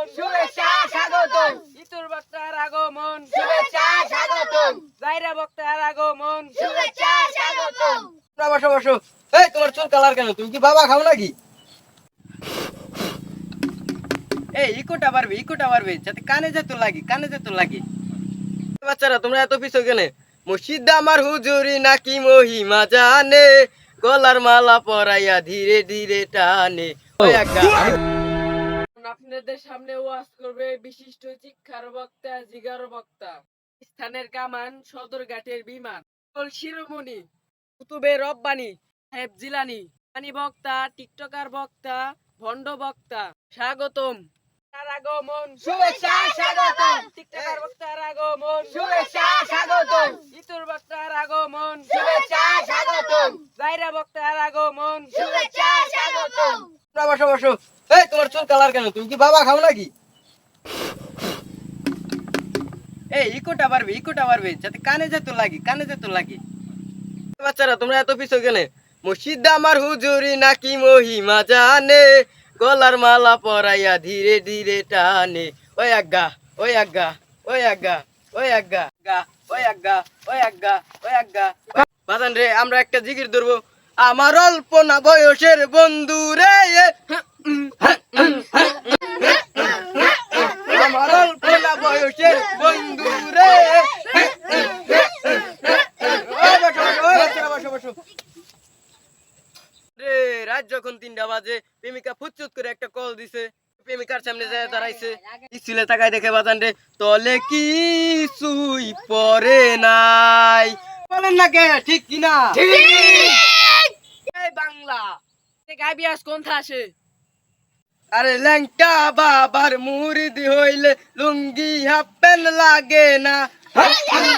আগমন, শুভেচ্ছা স্বাগতম, ইতুর বক্তার আগমন, শুভেচ্ছা স্বাগতম, জাইরা বক্তার আগমন। শুভেচ্ছা স্বাগতম। বসো বসো। এই তোমার চুল কালার কেন? তুমি কি বাবা খাও নাকি? এই ইকোটা পারবে যাতে কানে যেত লাগে, কানে যেত লাগে। বাচ্চারা তোমরা এত পিছো কেন? মসজিদ আমার হুজুরি নাকি মহিমা জানে, গলার মালা পরাইয়া ধীরে ধীরে টানে। ওই আজ্ঞা। আপনাদের সামনে ওয়াজ করবে বিশিষ্ট শিক্ষার বক্তা, জিগার বক্তা, স্থানের কামান, সদরঘাটের বিমান, শিরোমণি, কুতুবে রব্বানি, সাহেব জিলানি, পানি বক্তা, টিকটকার বক্তা, ভণ্ড বক্তা। স্বাগতম। তার আগমন, শুভেচ্ছা স্বাগতম, টিকটকার বক্তার আগমন, শুভেচ্ছা স্বাগতম, ইতুর বক্তার আগমন, শুভেচ্ছা স্বাগতম, জাইরা বক্তার আগমন। শুভেচ্ছা স্বাগতম। বসো বসো। এই তোমার চুল কালার কেন? তুমি কি বাবা খাও নাকি? এই ইকোটা পারবে যাতে কানে যেত লাগে, কানে যেত লাগে। বাচ্চারা তোমরা এত পিছো কেন? মসজিদ আমার হুজুরি নাকি মহিমা জানে, গলার মালা পরাইয়া ধীরে ধীরে টানে। ওই আজ্ঞা, ওই আজ্ঞা, ওই আজ্ঞা, ওই আজ্ঞা, ওই আজ্ঞা, ওই আজ্ঞা, ওই আজ্ঞা। বাজান রে, আমরা একটা জিকির ধরবো। আমার অল্প না বয়সের বন্ধু রে, আমার অল্প না বয়সের বন্ধু রে। রে রাত যখন 3টা বাজে, প্রেমিকা ফুচুত করে একটা কল দিছে। প্রেমিকার সামনে যায় দাঁড়াইছে, স্কুলে তাকায় দেখে বাজান রে তলে কি সুই পরে নাই। বলেন না কে ঠিক কিনা? এই বাংলা গাইবি আজ কোন আসে? আরে ল্যাংটা বাবার মুরিদি হইলে লুঙ্গি হাফ প্যান্ট লাগে না।